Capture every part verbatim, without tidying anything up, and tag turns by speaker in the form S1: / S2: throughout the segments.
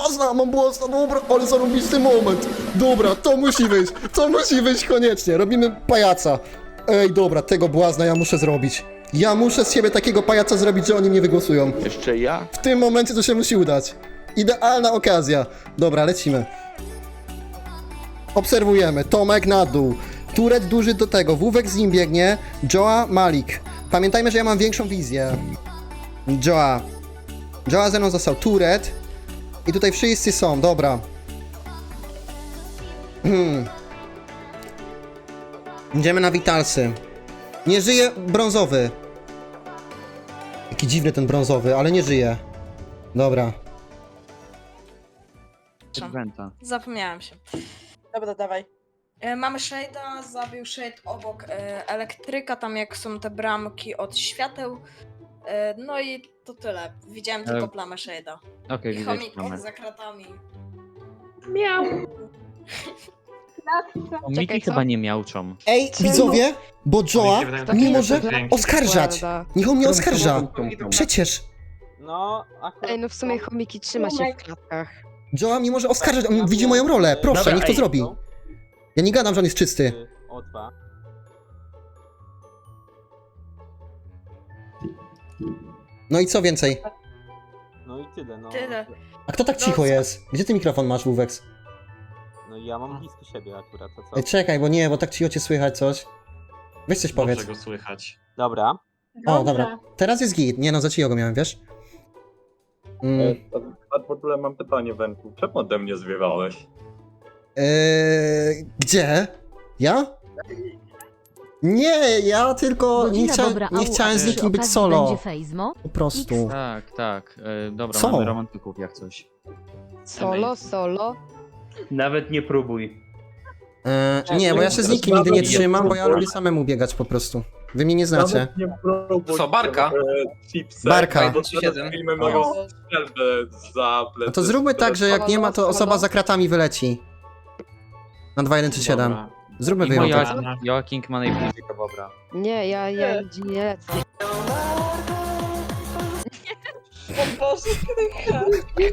S1: błazna, mam błazna, dobra, ale zarąbisty moment. Dobra, to musi wyjść, to musi wyjść koniecznie, robimy pajaca. Ej, dobra, tego błazna ja muszę zrobić. Ja muszę z siebie takiego pajaca zrobić, że oni mnie wygłosują.
S2: Jeszcze ja?
S1: W tym momencie to się musi udać. Idealna okazja. Dobra, lecimy. Obserwujemy. Tomek na dół. Turet duży do tego. Wówek z nim biegnie. Joa, Malik. Pamiętajmy, że ja mam większą wizję. Joa. Joa ze mną został. Turet. I tutaj wszyscy są. Dobra. Hmm. Idziemy na Witalsy. Nie żyje brązowy. Jaki dziwny ten brązowy, ale nie żyje. Dobra.
S3: Wenta.
S4: Zapomniałem się.
S5: Dobra, dawaj.
S4: E, Mamy Shade'a, zabił Shade obok e, elektryka, tam jak są te bramki od świateł. E, no i to tyle. Widziałem tylko
S3: E,
S4: plamę Shade'a.
S3: Okej,
S4: I
S3: widać
S4: chomik
S3: mamy.
S4: za kratami.
S6: Miał.
S3: O, Miki chyba nie miałczą.
S1: Ej, widzowie, bo Joa nie może oskarżać. Niech on mnie oskarża. Przecież
S5: No, akurat...
S6: Ej, no w sumie chomiki trzyma się w klatkach.
S1: Joa mnie może oskarżać, on widzi moją rolę. Proszę,
S2: Dobra,
S1: niech to
S2: ej,
S1: zrobi. Ja nie gadam, że on jest czysty.
S5: O dwa.
S1: No i co więcej?
S5: No i tyle, no.
S4: Tyle.
S1: A kto tak cicho jest? Gdzie ty mikrofon masz, Wóweks?
S5: No i ja mam blisko siebie akurat, to co?
S1: Ej, czekaj, bo nie, bo tak cicho cię słychać coś. Weź coś powiedz.
S2: Dobrze go słychać.
S5: Dobra.
S1: O, dobra. Teraz jest git. Nie no, za cicho go miałem, wiesz? Mm.
S7: A w ogóle mam pytanie, Wenku. Czemu ode mnie zwiewałeś?
S1: Eee, gdzie? Ja? Nie, ja tylko nie,
S8: Godzina
S1: chcia,
S8: dobra,
S1: nie
S8: au,
S1: chciałem
S8: a
S1: z
S8: przy
S1: nikim być
S8: okazji
S1: solo.
S8: będzie Fejzmo?
S1: Po prostu.
S3: Tak, tak. E, dobra,
S1: Co?
S3: mamy romantyków jak coś.
S6: Solo, solo.
S9: Nawet nie próbuj.
S1: Eee, nie, bo ja się z nikim nigdy nie trzymam, bo ja lubię samemu biegać po prostu. Wy mnie nie znacie.
S7: Nawet nie próbuj.
S2: Co, Barka?
S7: e, Chipsy.
S1: Barka.
S7: Bo teraz filmy mają strzelbę za plecy.
S1: No to zróbmy tak, że jak nie ma, to osoba za kratami wyleci. Na dwa jeden trzy siedem.
S2: Dobra.
S1: Zróbmy
S3: I moja
S1: wyjątek.
S3: Joaking ma najbliżej do Bobra.
S6: Nie, ja, ja nigdzie nie lecę.
S5: O Boże, krycha.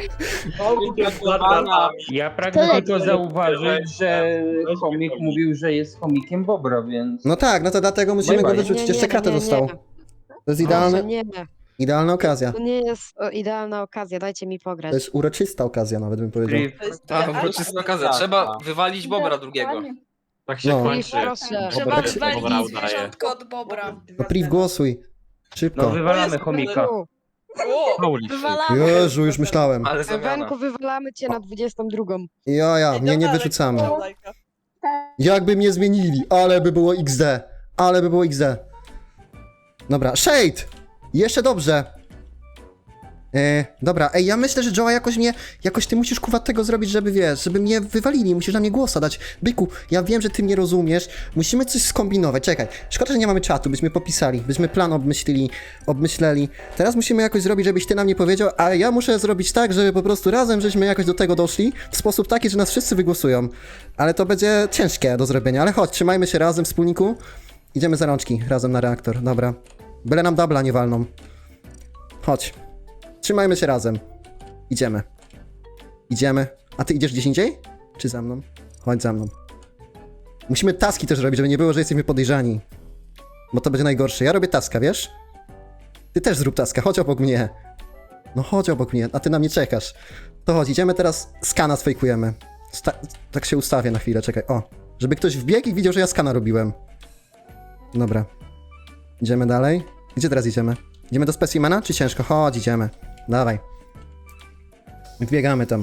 S9: Ja pragnę
S8: To
S9: tylko
S8: leci.
S9: zauważyć, że chomik mówił, że jest chomikiem Bobra, więc...
S1: No tak, no to dlatego musimy go
S9: Bye, bye.
S1: wyrzucić. Jeszcze kratę dostał. To jest
S6: Idealne.
S1: idealne,
S6: Nie,
S1: idealna okazja.
S6: to nie jest o, idealna okazja, dajcie mi pograć.
S1: To jest uroczysta okazja nawet bym powiedział.
S9: Priv,
S5: To jest
S2: Tak,
S5: idealna
S2: uroczysta okazja. Trzeba wywalić Bobra drugiego. Tak się
S1: No.
S2: kończy.
S6: Proszę.
S4: Trzeba
S1: tak się-
S4: wywalić
S2: Dobra, udaje.
S4: zwierzątko od Bobra.
S1: No Priv, głosuj.
S9: no
S1: Szybko.
S9: wywalamy chomika.
S6: U,
S3: Holy shit.
S4: Wywalamy.
S1: Jezu, już myślałem.
S2: Ale zamiana.
S6: Wenku, wywalamy cię na dwudziestą drugą.
S1: Ja, ja, mnie nie wyrzucamy. Jakby mnie zmienili, ale by było X D. Ale by było X D. Dobra, Shade! Jeszcze dobrze. E, dobra, ej, ja myślę, że Joa jakoś mnie, jakoś ty musisz kuwa tego zrobić, żeby wiesz, żeby mnie wywalili, musisz na mnie głosa dać. Byku, ja wiem, że ty mnie rozumiesz, musimy coś skombinować, czekaj, szkoda, że nie mamy czatu, byśmy popisali, byśmy plan obmyślili, obmyśleli. Teraz musimy jakoś zrobić, żebyś ty nam nie powiedział, a ja muszę zrobić tak, żeby po prostu razem żeśmy jakoś do tego doszli, w sposób taki, że nas wszyscy wygłosują. Ale to będzie ciężkie do zrobienia, ale chodź, trzymajmy się razem, wspólniku. Idziemy za rączki, razem na reaktor, dobra. Byle nam dubla nie walną. Chodź. Trzymajmy się razem. Idziemy. Idziemy. A ty idziesz gdzieś indziej? Czy za mną? Chodź za mną. Musimy taski też robić, żeby nie było, że jesteśmy podejrzani. Bo to będzie najgorsze. Ja robię taska, wiesz? Ty też zrób taska, chodź obok mnie. No chodź obok mnie, a ty na mnie czekasz. To chodź, idziemy teraz, skana sfejkujemy. Sta tak się ustawię na chwilę, czekaj. O, żeby ktoś wbiegł i widział, że ja skana robiłem. Dobra. Idziemy dalej. Gdzie teraz idziemy? Idziemy do specimena, czy ciężko? Chodź, idziemy. Dawaj. Wbiegamy tam.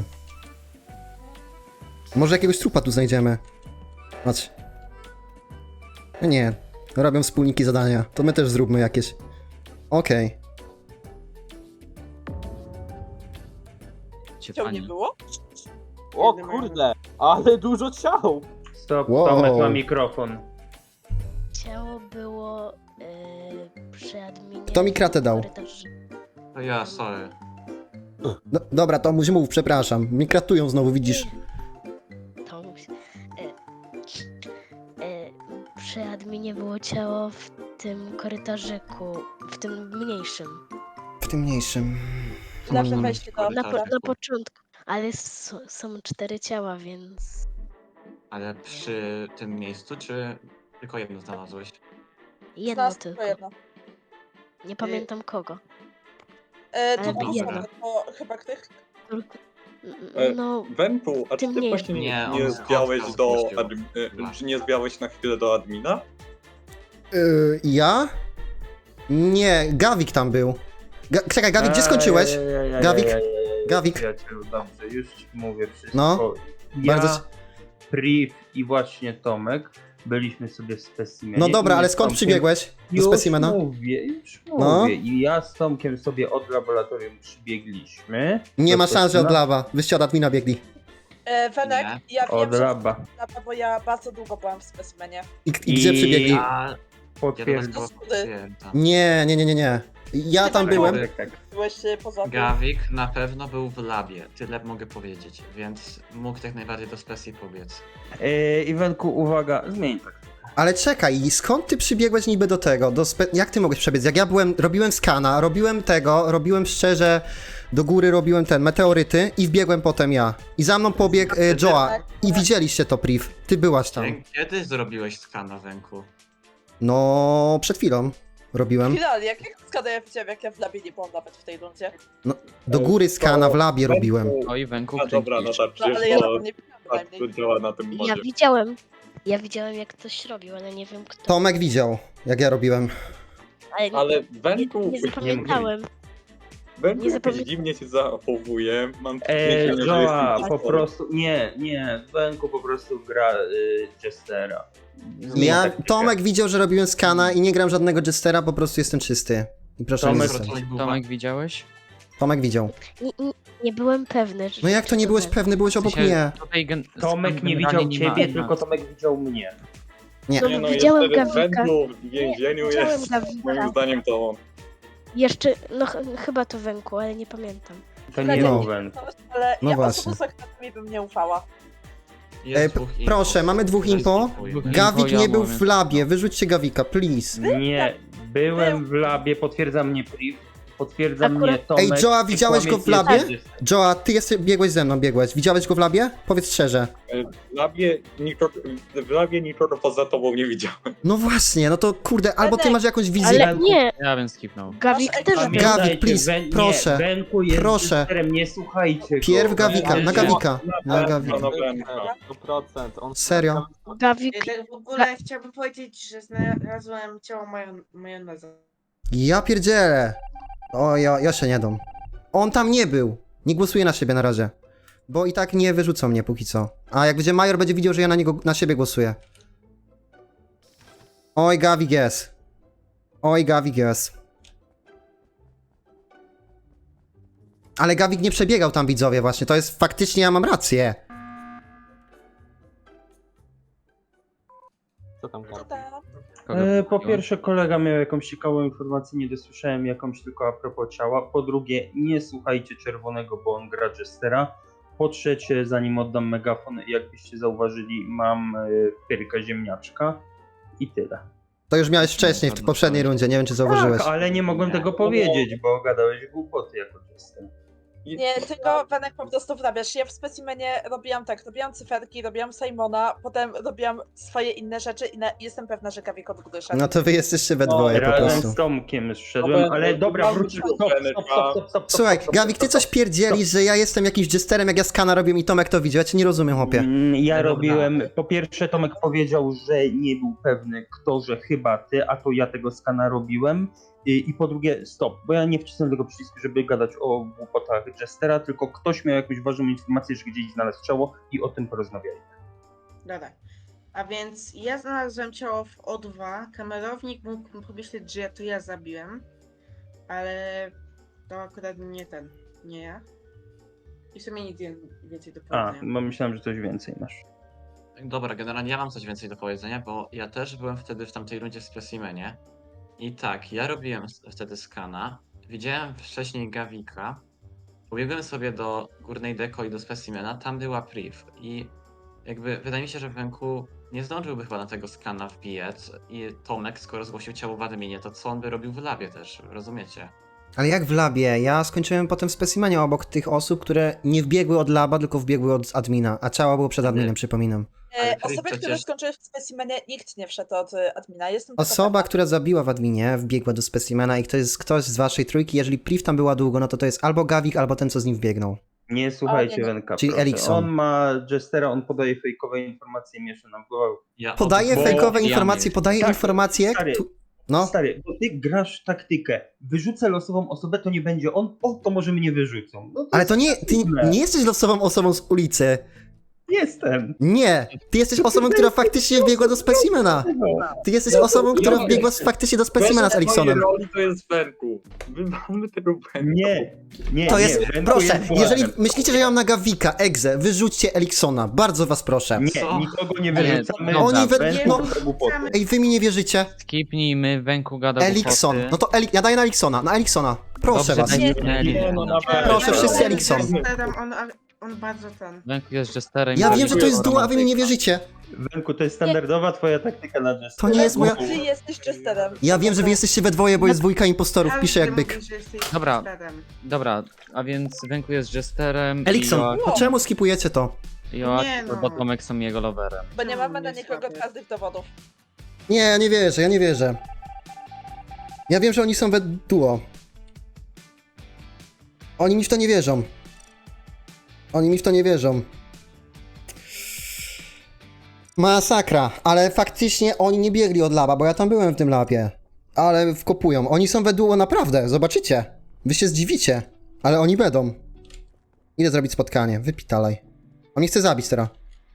S1: Może jakiegoś trupa tu znajdziemy. Chodź. Nie. Robią wspólniki zadania. To my też zróbmy jakieś. Okej.
S3: Cię
S5: Ciał nie
S3: pani.
S5: było? O kurde, ale dużo ciał.
S9: Stop,
S1: Wow.
S9: Tomek ma mikrofon.
S8: Ciało było yy, przy adminie.
S1: Kto mi kratę dał?
S8: korytarzu.
S2: To ja, sorry.
S1: No, dobra, to mów, mów, przepraszam. Mi kratują znowu, widzisz.
S8: To musi- yy, yy, Przy adminie było ciało w tym korytarzyku, w tym mniejszym.
S1: W tym mniejszym.
S5: Zawsze
S1: Mm.
S5: weźcie to.
S8: Na, po, na początku. Ale s- są cztery ciała, więc...
S10: Ale przy tym miejscu, czy tylko jedno znalazłeś?
S8: Jedno
S4: Znalazł
S8: tylko.
S4: jedno.
S8: Nie pamiętam kogo.
S4: E,
S8: Ale
S4: to
S10: dobra.
S4: osobę, to chyba ktoś.
S8: Tylko-
S7: E,
S8: No,
S7: Wenku, a czy
S8: Tym
S7: ty
S8: nie-
S7: właśnie nie,
S10: Nie,
S7: nie
S10: on
S7: zwiałeś
S10: podcast
S7: do
S10: puścił.
S7: adm, e, czy nie zwiałeś na chwilę do admina?
S1: Yy, ja? Nie, Gawik tam był. Ga czekaj, Gawik, gdzie skończyłeś?
S9: Ej, ej,
S1: Gawik?
S9: ej, ej, ej, ej,
S1: Gawik?
S9: Przyjacielu, dobrze, już ci mówię wszystko.
S1: No,
S9: Ja,
S1: bardzo-
S9: Priv i właśnie Tomek byliśmy sobie w specimenie.
S1: No dobra,
S9: i
S1: ale
S9: z
S1: skąd
S9: Tomkiem-
S1: przybiegłeś do
S9: Już
S1: specimena?
S9: mówię, już
S1: No.
S9: mówię. I ja z Tomkiem sobie od laboratorium przybiegliśmy.
S1: Nie
S9: do
S1: ma szans, że od
S9: specimena.
S1: lawa. Wyście od admina biegli.
S4: E, Wenek,
S10: Nie.
S4: ja wiem,
S9: Od
S4: że
S9: laba.
S4: laba, bo ja bardzo długo byłam w specimenie.
S1: I, i gdzie
S9: I-
S1: przybiegli?
S10: A ja do
S9: Potwierdzam.
S10: was
S4: Skudy.
S10: patrzyłem tam.
S1: Nie, nie, nie, nie, nie. Ja tam
S4: Tak,
S1: byłem.
S9: Tak, tak.
S4: Byłeś e, poza tym.
S10: Gawik na pewno był w labie, tyle mogę powiedzieć, więc mógł tak najbardziej do specji pobiec.
S9: Yy, Iwenku, uwaga, zmień tak.
S1: Ale czekaj, skąd ty przybiegłeś niby do tego? Do spe... Jak ty mogłeś przebiec? Jak ja byłem, robiłem skana, robiłem tego, robiłem szczerze, do góry robiłem ten, meteoryty i wbiegłem potem ja. I za mną pobiegł e, Joa. I widzieliście to, Priv. Ty byłaś tam.
S10: Kiedy zrobiłeś skana węku?
S1: No, przed chwilą robiłem.
S4: Finalnie, jak jak skada ja widziałem, jak ja w labie nie byłam nawet w tej rundzie.
S1: Do góry skana w labie robiłem.
S3: No i Wenku,
S7: A dobra, no tak,
S4: No, ale
S7: przecież
S4: ja
S7: to
S4: tam nie widziałam
S7: tak
S4: bynajmniej.
S7: to działa na tym
S8: ja
S7: modzie.
S8: widziałem. Ja widziałem, jak ktoś robił, ale nie wiem kto.
S1: Tomek widział, jak ja robiłem.
S8: Ale, nie,
S7: Ale
S8: nie,
S7: Wenku,
S8: nie zapamiętałem.
S7: Wenku
S8: nie
S7: jakoś
S8: zapamię-
S7: dziwnie się zachowuje. Mam
S9: Eee,
S7: wrażenie, że
S9: Joa,
S7: jest
S9: po
S7: impostorem.
S9: prostu, nie, nie, Wenku po prostu gra y, Jestera. Zmień
S1: Ja,
S9: taktykę.
S1: Tomek widział, że robiłem skana i nie gram żadnego Jestera, po prostu jestem czysty. I proszę
S9: Tomek-
S1: nie
S10: Tomek,
S1: zostawić.
S3: Tomek widziałeś?
S1: Tomek widział.
S8: Nie, nie, nie byłem pewny, że...
S1: No jak to nie byłeś pewny, byłeś obok
S3: W sensie
S1: mnie.
S3: Tutaj gen-
S9: Tomek nie
S3: generalnie
S9: widział
S3: ma-
S9: ciebie,
S3: ma-
S9: tylko Tomek widział mnie.
S1: Nie.
S8: No,
S7: Nie no,
S8: widziałem
S7: jeszcze w
S8: Gawika.
S7: Wenku w więzieniu
S8: Widziałem
S7: jest.
S8: Gawika.
S7: Moim zdaniem to on.
S8: Jeszcze, no ch- chyba to Wenku, ale nie pamiętam.
S9: To nie
S1: No.
S9: był Wenku.
S4: Ale
S1: No
S4: ja
S1: właśnie.
S4: osobą sekretami bym nie ufała.
S10: Jest
S1: E,
S10: dwóch info.
S1: proszę, mamy dwóch impo.
S10: Skipuję.
S1: Gawik
S3: ja
S1: nie był
S3: mówię.
S1: w labie, wyrzućcie Gawika, please.
S9: Nie, byłem w labie, potwierdza mnie Priv, potwierdza
S8: Akurat-
S9: mnie Tomek.
S1: Ej, Joa,
S9: i
S1: widziałeś go w
S9: kłamie
S1: labie?
S9: jest-
S1: Joa, ty jesteś, biegłeś ze mną, biegłeś. Widziałeś go w labie? Powiedz szczerze.
S7: E, W labie nikogo, w labie nikogo poza tobą nie widziałem.
S1: No właśnie, no to kurde, albo ty
S4: Benek,
S1: masz jakąś wizję.
S8: Ale nie,
S3: Ja bym skipnął.
S8: Gawik
S4: Masz
S8: też
S4: ekran.
S8: był.
S9: Pamiętajcie,
S1: Gawik, please,
S9: Wen- nie,
S1: proszę.
S9: Wenku jest
S1: Proszę.
S9: Jesterem, nie słuchajcie go.
S1: Pierw Gawika, na
S9: Wenku-
S1: Gawika, na Gawika.
S7: Na Wenka.
S5: sto procent. On
S1: Serio?
S8: Gawik,
S11: W ogóle chciałbym powiedzieć, że znalazłem ciało majon majoneza.
S1: Ja pierdzielę. O, ja, ja się nie dam. On tam nie był. Nie głosuję na siebie na razie. Bo i tak nie wyrzucą mnie póki co. A jak będzie Major, będzie widział, że ja na niego, na siebie głosuję. Oj, Gawik jest. Oj, Gawik jest. Ale Gawik nie przebiegał tam, widzowie, właśnie. To jest faktycznie, ja mam rację.
S5: Co tam
S4: Co
S5: gada?
S4: tam?
S3: Kogo
S9: E, po
S3: kupiłem?
S9: pierwsze, kolega miał jakąś ciekawą informację, nie dosłyszałem jakąś tylko a propos ciała. Po drugie, nie słuchajcie Czerwonego, bo on gra Jestera. Po trzecie, zanim oddam megafon, jakbyście zauważyli, mam e, pyrkę ziemniaczka i tyle.
S1: To już miałeś wcześniej, w poprzedniej rundzie, nie wiem, czy zauważyłeś.
S9: Tak, ale nie mogłem tego powiedzieć, bo gadałeś głupoty jako Jester.
S4: Nie, tylko Wenek po prostu wrabiasz. Ja w specimenie robiłam tak, robiłam cyferki, robiłam Simona, potem robiłam swoje inne rzeczy i na, jestem pewna, że Gawik od góry szedł.
S1: No to wy jesteście we
S7: No,
S1: dwoje po
S9: Razem
S1: prostu.
S9: z Tomkiem
S7: No
S9: szedłem,
S7: bo-
S9: ale dobra,
S7: mam
S9: wróćmy.
S7: tylko
S9: Stop, stop,
S7: Beneka.
S9: stop, stop, stop,
S1: Słuchaj,
S9: stop,
S1: Gawik, ty
S9: stop,
S1: coś
S9: stop.
S1: pierdzielisz, że ja jestem jakimś jesterem, jak ja skana robię i Tomek to widział. Ja cię nie rozumiem, chłopie.
S9: Mm, Ja
S3: Dobra.
S9: robiłem, po pierwsze Tomek powiedział, że nie był pewny kto, że chyba ty, a to ja tego skana robiłem. I, i po drugie, stop, bo ja nie wcisnę tego przycisku, żeby gadać o głupotach Jestera, tylko ktoś miał jakąś ważną informację, że gdzieś znalazł ciało i o tym porozmawiali.
S11: Dobra. A więc ja znalazłem ciało w O dwa. Kamerownik mógł pomyśleć, że ja to ja zabiłem, ale to akurat nie ten, nie ja. I w sumie nic więcej do
S9: A,
S11: powiedzenia.
S9: bo myślałem, że coś więcej masz.
S10: Dobra, generalnie ja mam coś więcej do powiedzenia, bo ja też byłem wtedy w tamtej rundzie w specimenie. I tak, ja robiłem s- wtedy skana. Widziałem wcześniej Gawika. Pobiegłem sobie do górnej deko i do specimena, tam była priv. I jakby wydaje mi się, że Wenku nie zdążyłby chyba na tego skana wbijać. I Tomek, skoro zgłosił ciało w adminie, to co on by robił w labie też, rozumiecie?
S1: Ale jak w labie? Ja skończyłem potem w specimenie obok tych osób, które nie wbiegły od laba, tylko wbiegły od admina, a ciało było przed adminem, przypominam.
S10: Ale
S4: E,
S10: Frit
S4: osoby, które
S10: przecież-
S4: skończyły w specimenie, nikt nie wszedł od e, admina. Jestem tego
S1: Osoba,
S4: pewna.
S1: która zabiła w adminie, wbiegła do specimena i to jest ktoś z waszej trójki, jeżeli Priv tam była długo, no to to jest albo Gawik, albo ten, co z nim wbiegnął.
S9: Nie słuchajcie
S4: O, nie, nie.
S9: Wenka,
S1: Czyli
S9: proszę.
S1: Elikson.
S9: On ma Jestera, on podaje fejkowe informacje i miesza nam w głowę.
S10: Ja
S1: Podaje
S9: Bo-
S1: fejkowe
S3: ja
S1: informacje,
S3: nie-
S1: podaje
S9: Tak,
S1: informacje...
S9: stary.
S1: Tu... No,
S9: Stary, bo ty grasz taktykę. Wyrzucę losową osobę, to nie będzie on, o, to może mnie wyrzucą. No to
S1: ale to nie, ty
S9: dziwne.
S1: nie jesteś losową osobą z ulicy.
S9: Jestem.
S1: Nie, ty jesteś osobą, która faktycznie wbiegła do specimena. Ty jesteś osobą, która wbiegła faktycznie do specimena z Eliksonem.
S7: roli to jest Wenku. My mamy tego Wenku.
S9: Nie, nie,
S1: To
S9: nie.
S1: jest,
S9: Wenku
S1: proszę,
S9: jest błędem.
S1: jeżeli myślicie, że ja mam na Gawika, Egze, wyrzućcie Eliksona, bardzo was proszę.
S9: Nie,
S10: Co?
S9: nikogo nie
S3: Nie,
S9: wyrzucamy.
S3: dobra,
S1: Oni we-
S9: Wenku
S1: no-
S9: to głupoty.
S1: Ej, wy mi nie wierzycie?
S3: Skipnijmy, Wenku gada
S1: Elikson,
S3: głupoty.
S1: no to Elik, ja daję na Eliksona, na Eliksona. Proszę
S3: Dobrze,
S1: was.
S3: dajmy
S4: Nie,
S3: na Eli-
S7: nie, no naprawdę.
S1: Proszę,
S11: Ja
S1: wszyscy
S11: jestem
S1: Elikson.
S11: Jesterem, On, on bardzo ten.
S3: Wenku jest Jesterem.
S1: Ja
S3: i
S1: wiem, że to jest
S3: Wenku
S1: dół, a wy mi nie wierzycie.
S9: Wenku, to jest standardowa twoja taktyka na Jestera.
S1: To nie jest moja...
S4: Ty jesteś Jesterem.
S1: Ja wiem, że wy jesteście we dwoje, bo jest dwójka impostorów,
S11: Każdy
S1: piszę jak byk.
S11: mówi, że jesteś
S3: Dobra.
S11: Jesterem.
S3: Dobra, a więc Wenku jest Jesterem i
S1: Elikson,
S3: Joak-
S1: to czemu skipujecie to?
S3: Joak
S11: Nie no.
S3: albo Tomek są jego loverem.
S4: Bo nie mamy na
S11: Nie
S4: nikogo
S11: słaby.
S4: twardych dowodów.
S1: Nie, ja nie wierzę, ja nie wierzę. Ja wiem, że oni są we duo. Oni mi w to nie wierzą. Oni mi w to nie wierzą. Masakra, ale faktycznie oni nie biegli od laba, bo ja tam byłem w tym labie. Ale wkopują. Oni są we duo naprawdę, zobaczycie. Wy się zdziwicie, ale oni będą. Idę zrobić spotkanie, wypitalaj. On mnie chce zabić teraz.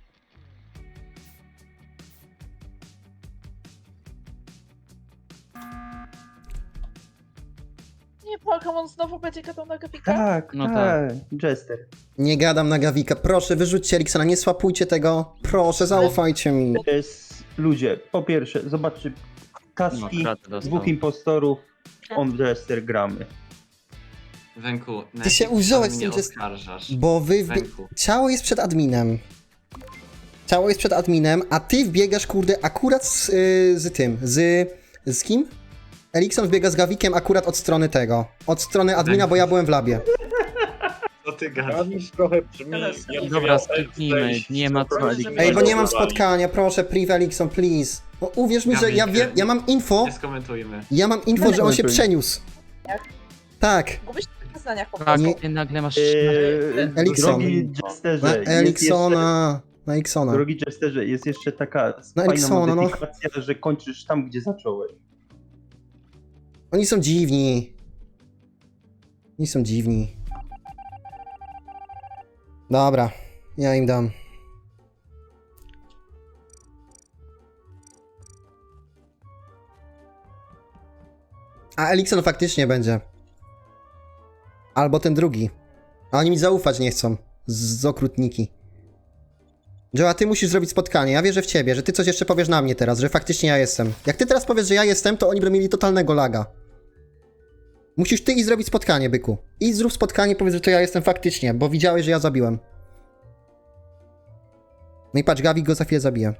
S4: Nie, Pokémon znowu będzie gadał na Gawika?
S9: Tak,
S3: No
S9: tak, Jester.
S1: Nie gadam na Gawika, proszę wyrzućcie Eliksona, nie swapujcie tego. Proszę, zaufajcie mi.
S9: To jest, ludzie, po pierwsze, zobaczcie,
S3: No,
S9: taski,
S3: kratę dostał.
S9: dwóch impostorów, on Jester gramy.
S10: Wenku, na
S1: Ty się
S10: jakim
S1: uwziąłeś
S10: mnie
S1: z tym, że-
S10: oskarżasz?
S1: Bo wy... Wbie...
S10: Wenku.
S1: Ciało jest przed adminem. Ciało jest przed adminem, a ty wbiegasz, kurde, akurat z, yy, z tym, z... z kim? Elikson wbiega z Gawikiem akurat od strony tego. Od strony admina, bo ja byłem w labie.
S10: Co ty gadasz?
S7: Gawisz trochę brzmi... jakby
S3: Dobra,
S7: miał
S3: skipnijmy,
S7: zejść
S3: nie ma co
S7: spokojnie,
S3: Elikson.
S7: żeby
S1: Ej, bo nie mam
S7: zagłosowali.
S1: spotkania, proszę, priv Elikson, please. No uwierz mi, że ja
S10: Gawik,
S1: wiem, ja mam info,
S10: Nie skomentujmy.
S1: ja mam info, że on się przeniósł. Tak.
S4: Gubisz się w poznaniach po
S3: Tak,
S4: prostu.
S1: Nie-
S3: ty nagle masz...
S9: Eee,
S1: Elikson.
S9: Drogi
S1: Na
S9: Jesterze, jest
S1: Eliksona. Na
S9: jeszcze,
S1: Eliksona.
S9: drogi Jesterze, jest jeszcze taka
S1: Na
S9: fajna
S1: Eliksona, no.
S9: modyfikacja, że kończysz tam, gdzie zacząłeś.
S1: Oni są dziwni. Oni są dziwni. Dobra, ja im dam. A Elikson faktycznie będzie. Albo ten drugi. A oni mi zaufać nie chcą. Z, z okrutniki. Joe, a ty musisz zrobić spotkanie. Ja wierzę w ciebie, że ty coś jeszcze powiesz na mnie teraz, że faktycznie ja jestem. Jak ty teraz powiesz, że ja jestem, to oni będą mieli totalnego laga. Musisz ty i zrobić spotkanie, byku. I zrób spotkanie, powiedz, że to ja jestem faktycznie, bo widziałeś, że ja zabiłem. No i patrz, Gawik go za chwilę zabije.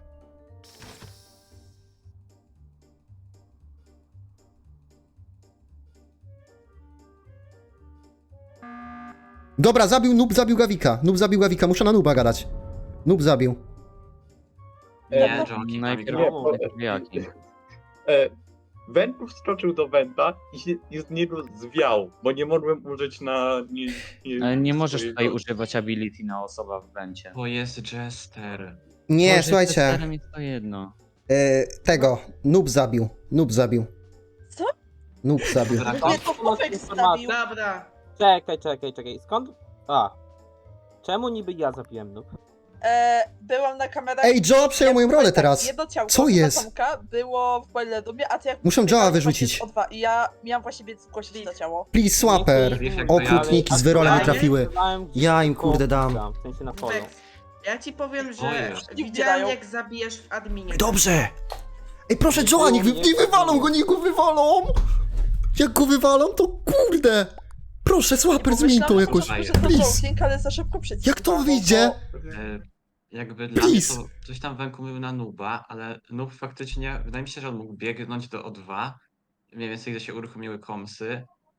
S1: Dobra, zabił, Noob zabił Gawika. Noob zabił Gawika, muszę na Nooba gadać. Noob zabił.
S10: Nie,
S4: no,
S10: Jonki,
S3: Najpierw
S10: kamikro.
S3: jaki?
S7: E, Wenku wskoczył do Wenta i, się, i z niego zwiał, bo nie mogłem użyć na... Nie, nie,
S3: Ale nie możesz
S7: swojego-
S3: tutaj używać ability na osoba w wencie.
S10: Bo jest Jester.
S1: Nie,
S3: Może
S1: słuchajcie.
S3: Jesterem jest to jedno.
S1: E, tego, Noob zabił. Noob zabił.
S4: Co?
S1: Noob zabił.
S10: Dobra,
S4: Nie, to Pufek stawił.
S5: Dobra. Czekaj, czekaj, czekaj. Skąd? A. Czemu niby ja zabiłem noob?
S4: E, byłam na kamerach.
S1: Ej, Joe przejął moją rolę
S4: Tak,
S1: teraz.
S4: Jedno ciałko
S1: Co jest?
S4: Tomka było w Boilerumie, a ty jak
S1: Muszę Joe'a
S4: biegałeś
S1: wyrzucić.
S4: właśnie z O dwa I ja miałam właśnie biec zgłosić to ciało.
S1: Please, swapper. Okrutniki z wyrolem nie trafiły. Ja im, kurde, dam.
S5: W sensie na polu.
S11: Wex, ja ci powiem, że
S10: Ojej.
S11: widziałem
S4: dają.
S11: jak zabijesz w adminie.
S1: Dobrze! Ej, proszę Joe'a, niech, wy, niech wywalą go, niech go wywalą! Jak go wywalą, to kurde! Proszę, swapper, zmień to
S4: Pomyślałam,
S1: jakoś,
S4: że może to
S1: please!
S4: joking, ale za szybko przycisk.
S1: Jak to
S4: bo-
S1: wyjdzie?
S10: E, jakby dla mnie
S1: Please.
S10: to coś tam Wenku mówił na Nuba, ale Nub faktycznie, wydaje mi się, że on mógł biegnąć do O dwa, mniej więcej gdzie się uruchomiły komsy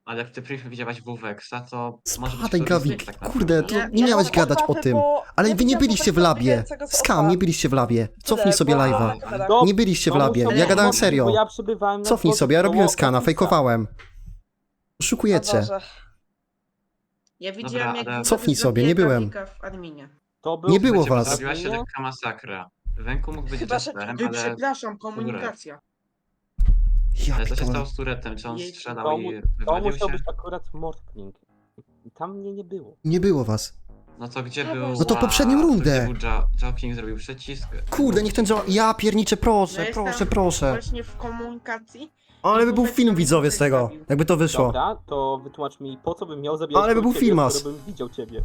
S10: Ale jak ty Priv widziałaś Wuweksa, to może być
S1: Spadaj,
S10: to
S1: Gawik,
S10: ryzyk tak naprawdę.
S1: kurde, to
S4: Ja-
S1: nie
S4: ja
S1: miałeś
S4: mam
S1: gadać o
S4: obawy,
S1: tym.
S4: bo
S1: Ale
S4: ja
S1: wy nie
S4: widziałam
S1: byliście w
S4: Woweka
S1: labie.
S4: biegającego z
S1: Skam,
S4: oka.
S1: nie byliście w labie. Cofnij
S4: Tyle,
S1: sobie
S4: bo-
S1: live'a.
S5: To-
S1: Nie byliście w
S5: to
S1: labie.
S5: musiał
S1: Ja
S5: być
S1: gadałem
S5: mocny,
S1: serio.
S5: Bo ja przybywałem na
S1: Cofnij
S5: dworcu
S1: sobie, ja robiłem
S5: koło
S1: skana,
S5: Office'a.
S1: fejkowałem.
S4: O
S1: Oszukujecie.
S4: Boże.
S11: Ja widziałam, jak
S10: ale-
S11: Wówek
S1: Cofnij sobie, nie
S11: zabija
S1: byłem.
S11: Gawika w adminie.
S5: To był
S1: Nie było
S10: Wiecie, bo
S1: was.
S10: Zrobiła się lekka masakra. Wenku mógł być
S4: Chyba, że-
S10: Jesterem,
S11: Wy,
S10: ale,
S11: przepraszam, komunikacja.
S1: Ja
S10: ale co się
S1: pitole.
S10: stało z Turetem? Czy on
S11: Jej-
S10: strzelał
S5: To,
S10: i
S5: mu, to
S10: wywalił
S5: musiał
S10: się?
S5: być akurat Mortling. I tam mnie nie było.
S1: Nie było was.
S10: No to gdzie
S4: No
S10: był...
S1: No to
S10: a,
S1: poprzednią
S10: to
S1: rundę.
S10: Gdzie był Jo- Joking, zrobił przycisk.
S1: Kurde, niech ten Joe... Ja pierniczę,
S11: No
S1: proszę,
S11: jestem
S1: proszę, proszę.
S11: Właśnie w komunikacji.
S1: Ale by był
S11: Wówek
S1: film
S11: tam
S1: widzowie z
S11: coś
S1: tego,
S11: zabił.
S1: jakby to wyszło.
S5: Dobra, to wytłumacz mi, po co bym miał zabijać
S1: Ale by
S5: kogoś
S1: był
S5: ciebie,
S1: filmas.
S5: skoro bym widział ciebie.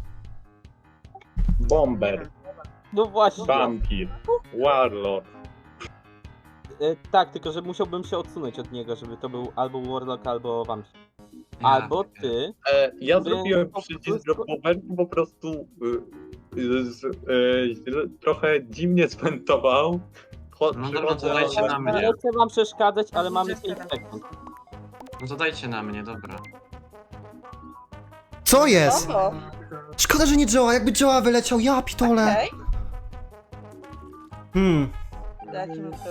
S7: Bomber,
S5: No właśnie.
S7: Vampir, Warlord.
S5: E, tak, tylko że musiałbym się odsunąć od niego, żeby to był albo Warlock, albo Vampir.
S10: Ja
S5: Albo
S10: wiem.
S5: ty.
S7: E, ja
S5: Więc
S7: zrobiłem
S5: po
S7: przycisk,
S5: prostu-
S7: że po Wenku po prostu y, y, z, y, trochę dziwnie swentował. Cho-
S10: No dobra, to
S7: przychodzę-
S10: dajcie na mnie.
S5: Nie chcę wam przeszkadzać, ale mamy
S11: Jestem.
S5: pięć sekund.
S10: No to dajcie na mnie, dobra.
S1: Co jest?
S4: No to,
S1: Szkoda, że nie Joa, jakby Joa wyleciał, ja pitole.
S4: okej.
S1: Hmm,
S4: Jaki był?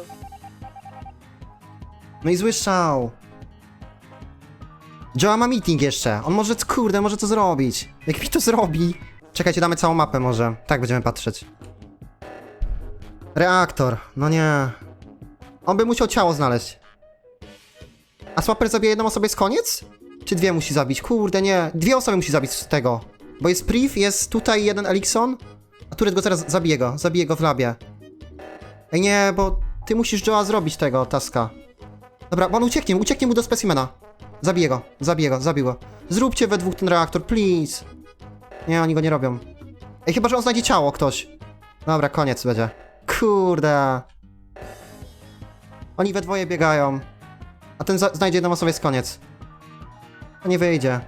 S1: no i zły szał. Joa ma meeting jeszcze, on może, kurde, może to zrobić. Jak mi to zrobi? Czekajcie, damy całą mapę może, tak będziemy patrzeć. Reaktor, no nie. On by musiał ciało znaleźć. A Swapper zabije jedną osobę, jest koniec? Czy dwie musi zabić? Kurde, nie. Dwie osoby musi zabić z tego. Bo jest Priv, jest tutaj jeden Elikson, a Turet go zaraz zabije go, zabije go w labie. Ej nie, bo ty musisz Joa zrobić tego taska. Dobra, bo on ucieknie, ucieknie mu do specimena. Zabiję go, zabiję go, zabił go. Zróbcie we dwóch ten reaktor, please. Nie, oni go nie robią. Ej, chyba że on znajdzie ciało ktoś. Dobra, koniec będzie. Kurde. Oni we dwoje biegają. A ten za- znajdzie jedną osobę, jest koniec. To nie wyjdzie.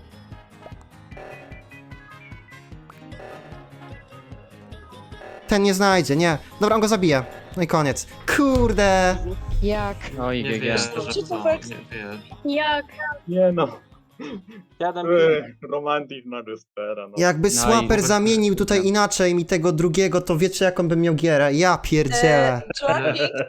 S1: Ten nie znajdzie, nie. Dobra, on go zabije. No i koniec. Kurde.
S6: Jak?
S3: Oj,
S10: Nie
S3: G G.
S10: wierzę,
S4: Czy
S10: że
S4: to
S10: to,
S4: Wex?
S10: nie wierzę.
S8: Jak?
S7: Nie no,
S5: Siadam
S7: y, romantik na Jestera, no.
S1: Jakby
S3: No i
S1: Swapper
S3: wobec-
S1: zamienił tutaj inaczej mi tego drugiego, to wiecie jaką bym miał gierę. Ja pierdzielę.
S4: E, Johnny,